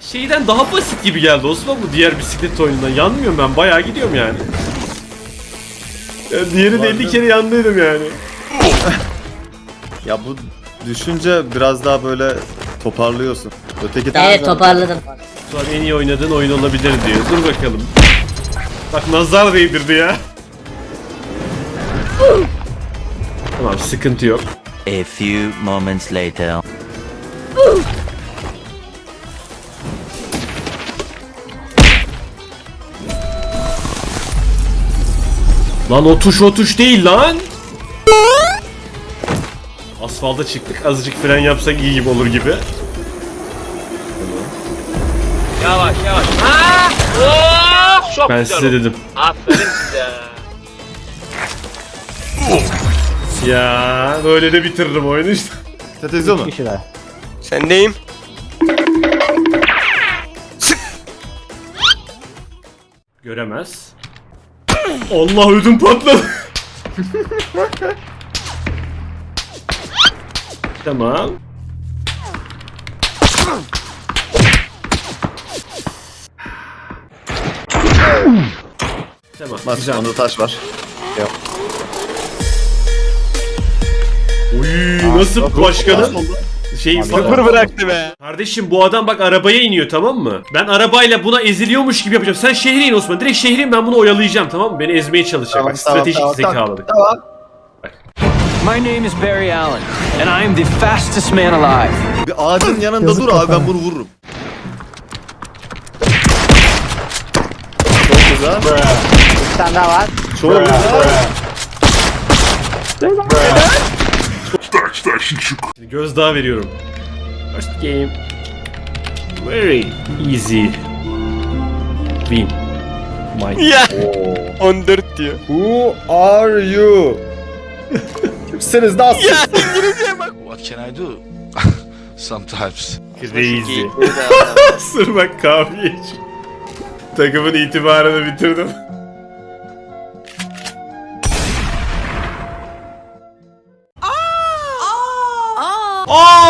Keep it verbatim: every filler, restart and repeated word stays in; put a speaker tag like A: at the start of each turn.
A: şeyden daha basit gibi geldi Osman bu diğer bisiklet oyunundan. Yanmıyorum ben, bayağı gidiyorum yani. Ya diğeri de elli kere yandıydım yani.
B: Ya bu düşünce biraz daha böyle toparlıyorsun. Öteki
C: Evet toparladım.
A: Şu an en iyi oynadığın oyun olabilir diyor. Dur bakalım. Bak nazar değdirdi ya. Tamam, sıkıntı yok.
D: A few moments later.
A: Lan o tuş o tuş değil lan. Asfalta çıktık, azıcık fren yapsak iyi gibi olur gibi.
E: Yavaş yavaş. Aa! Oh! Çok
A: Ben
E: güzel
A: size
E: oldu.
A: dedim.
E: Aferin size.
A: Ya böyle de bitiririm oyunu işte.
B: Tetezio mu?
F: Sendeyim.
A: Göremez. Allah, ödüm patladı. Tamam. Tamam.
B: Bak
A: Güzel.
B: onda taş var.
A: Uy, nasıl başkanım? Şey
F: Sıfır bıraktı be.
A: Kardeşim bu adam bak arabaya iniyor, tamam mı? Ben arabayla buna eziliyormuş gibi yapacağım. Sen şehre in Osman. Direkt şehre in, ben bunu oyalayacağım, tamam mı? Beni ezmeye çalışacak.
B: Tamam,
A: bak
B: tamam,
A: stratejik
B: tamam,
A: zekalı.
B: Tamam.
G: My name is Barry Allen, and I am the fastest man alive.
B: Bir ağacın yanında dur abi, ben bunu vururum. Çok güzel.
C: Bir tane daha var.
B: Çok güzel.
A: Şimdi gözdağı veriyorum. First game. Very easy. Win. My.
F: Ya. on dört diyor.
B: Who are you? Kimsiniz lan siz?
F: Ya İngilizceye bak.
H: What can I do? Sometimes.
A: Crazy. Sır bak, kahve iç. Takımın itibarını bitirdim. Aa!